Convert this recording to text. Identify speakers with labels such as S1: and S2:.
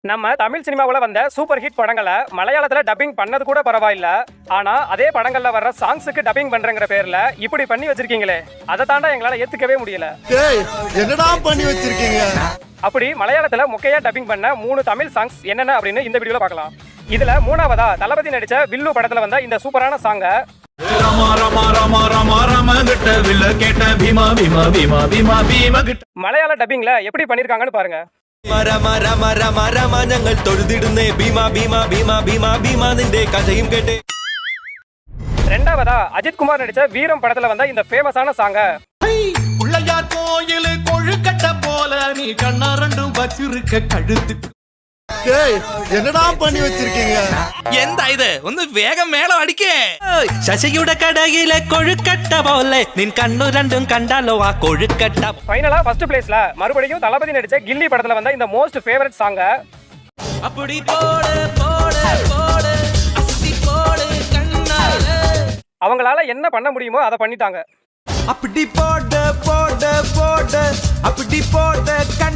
S1: நம்ம தமிழ் சினிமாவில் வந்த சூப்பர் ஹிட் படங்களை மலையாளத்துல டப்பிங் பண்ணது கூட பரவாயில்ல. ஆனா அதே படங்கள்ல வர்ற சாங்ஸுக்கு டப்பிங் பண்றங்கிற பேர்ல இப்படி பண்ணி வச்சிருக்கீங்களே, அதை தாண்டா எங்களால ஏத்துக்கவே முடியல.
S2: என்னடா பண்ணி வச்சிருக்கீங்க?
S1: அப்படி மலையாளத்துல மொக்கையா டப்பிங் பண்ண 3 தமிழ் சாங்ஸ் என்னென்ன அப்படின்னு இந்த வீடியோல பார்க்கலாம். இதுல மூணாவதா தளபதி நடிச்ச வில்லு படத்துல வந்த இந்த சூப்பரான சாங்க மலையாள டப்பிங்ல எப்படி பண்ணிருக்காங்கன்னு பாருங்க. ரெண்டாவதா அஜித் குமார் நடிச்ச வீரம் படத்துல வந்த இந்த ஃபேமஸான சாங்க
S3: பிள்ளையார் கோயில் கொழுக்கட்டை போல நீ கண்ணா ரெண்டும் வச்சிருக்க கழுத்து.
S2: என்னடா பண்ணி வச்சிருக்கீங்க?
S4: എന്താ ഇത് ഒന്ന് വേഗം മേളം അടിക്കേ. ശശിയുടെ കടയിലെ കൊഴുക്കട്ട പോലെ നിൻ കണ്ണു രണ്ടും കണ്ടാലോ ആ കൊഴുക്കട്ട.
S1: ஃபைனலா ஃபர்ஸ்ட் பிளேஸ்ல மறுபடியும் தளபதி நடிச்ச கில்லி படத்துல வந்த இந்த மோஸ்ட் ஃபேவரட் சாங்க
S4: அப்படி போடு போடு போடு அஸ்தி போடு கண்ணாலே.
S1: அவங்களால என்ன பண்ண முடியுமோ அதை பண்ணிட்டாங்க.
S3: அப்படி போட போட போட அப்படி போட